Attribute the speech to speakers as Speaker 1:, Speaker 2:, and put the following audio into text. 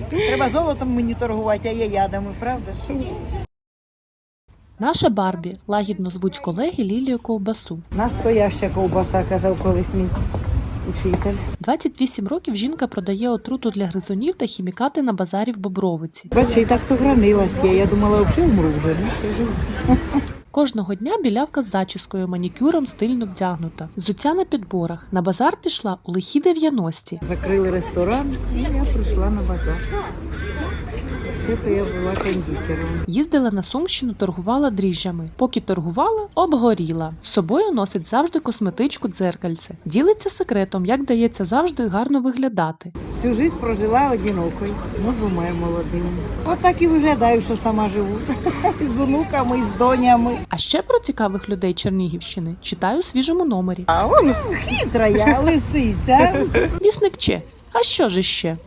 Speaker 1: Треба золотом мені торгувати, а я ядами, правда ж?
Speaker 2: Наша Барбі лагідно звуть колеги Лілію Ковбасу.
Speaker 1: Настояща ковбаса, казав колись мій учитель.
Speaker 2: 28 років жінка продає отруту для гризунів та хімікати на базарі в Бобровиці.
Speaker 1: Бачиш, і так сохранилася. Я думала, взагалі умру вже. Ну, ще живу.
Speaker 2: Кожного дня білявка з зачіскою, манікюром стильно вдягнута. Взуття на підборах. На базар пішла у лихі 90-ті.
Speaker 1: Закрили ресторан, і я прийшла на базар. Все-то я була кондитером.
Speaker 2: Їздила на Сумщину, торгувала дріжджами. Поки торгувала, обгоріла. З собою носить завжди косметичку дзеркальце. Ділиться секретом, як дається завжди гарно виглядати.
Speaker 1: Всю життя прожила одинокою, муж умер молодим. От так і виглядаю, що сама живу. З онуками, з донями.
Speaker 2: А ще про цікавих людей Чернігівщини читаю у свіжому номері.
Speaker 1: А он хитра я, лисиця.
Speaker 2: Вісник Че. А що ж іще?